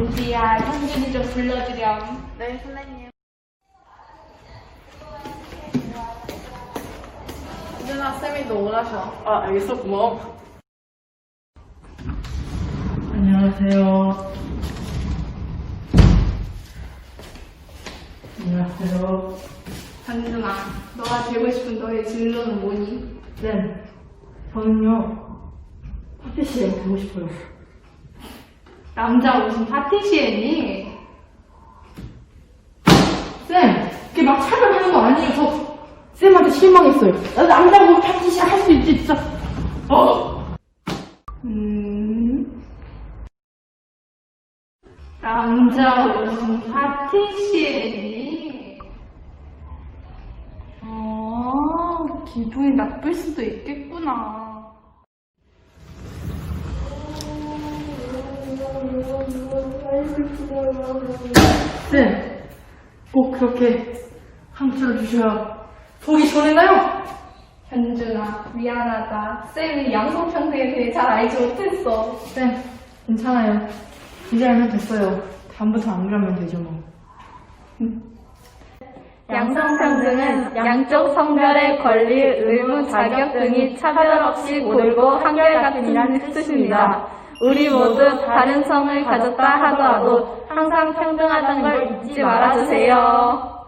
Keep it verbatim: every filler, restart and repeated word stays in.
루비야, 현준이 좀 불러주렴. 네, 선생님. 현준아, 쌤이 너 오라셔. 아, 알겠어. 고마워. 안녕하세요. 안녕하세요. 현준아, 너가 되고 싶은 너의 진로는 뭐니? 쌤, 저는요, 파티시에 가고 싶어요. 남자 무슨 파티시에니? 쌤, 그게 막 차별하는 거 아니에요. 저 쌤한테 실망했어요. 나 남자고 파티시 할 수 있지, 진짜. 어! 음... 남자 무슨 파티시에니? 어, 기분이 나쁠 수도 있겠구나. 쌤, 꼭 그렇게 상처를 주셔야 속이 시원했나요? 현준아, 미안하다. 쌤이 양성평등에 대해 잘 알지 못했어. 쌤, 괜찮아요. 이제 알면 됐어요. 다음부터 안 그러면 되죠, 뭐. 양성평등은 양쪽 성별의 권리, 의무, 자격 등이 차별 없이 고르고 한결같은 뜻입니다. 우리 모두 다른 성을 가졌다 하더라도 항상 평등하다는 걸 잊지 말아주세요.